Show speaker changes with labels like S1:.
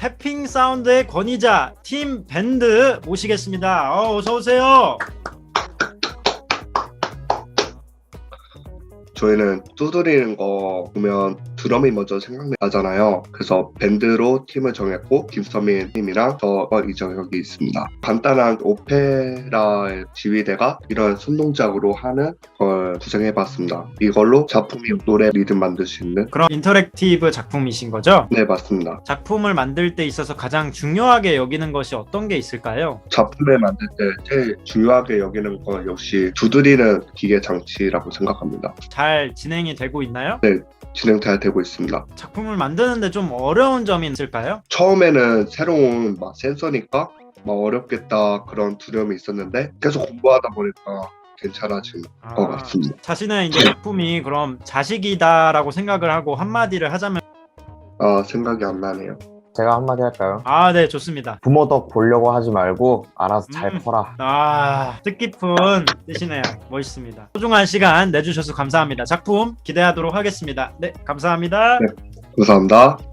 S1: 태핑 사운드의 권위자 팀 밴드 모시겠습니다. 어서 오세요.
S2: 저희는 두드리는 거 보면 드럼이 먼저 생각나잖아요. 그래서 밴드로 팀을 정했고 김서민 님이랑 저 이정혁이 있습니다. 간단한 오페라의 지휘대가 이런 손동작으로 하는 걸 구성해봤습니다. 이걸로 작품이 노래 리듬 만들 수 있는.
S1: 그럼 인터랙티브 작품이신 거죠?
S2: 네, 맞습니다.
S1: 작품을 만들 때 있어서 가장 중요하게 여기는 것이 어떤 게 있을까요?
S2: 작품을 만들 때 제일 중요하게 여기는 건 역시 두드리는 기계 장치라고 생각합니다.
S1: 잘 진행이 되고 있나요?
S2: 진행 잘 되고 있습니다.
S1: 작품을 만드는데 좀 어려운 점이 있을까요?
S2: 처음에는 새로운 센서니까 어렵겠다 그런 두려움이 있었는데 계속 공부하다 보니까 괜찮아진 것 같습니다.
S1: 자신의 이제 작품이 그럼 자식이다라고 생각을 하고 한마디를 하자면
S2: 생각이 안 나네요.
S3: 제가 한마디 할까요?
S1: 네, 좋습니다.
S3: 부모 덕 보려고 하지 말고 알아서 잘 커라.
S1: 뜻깊은 뜻이네요. 멋있습니다. 소중한 시간 내주셔서 감사합니다. 작품 기대하도록 하겠습니다. 네, 감사합니다.
S2: 네. 감사합니다.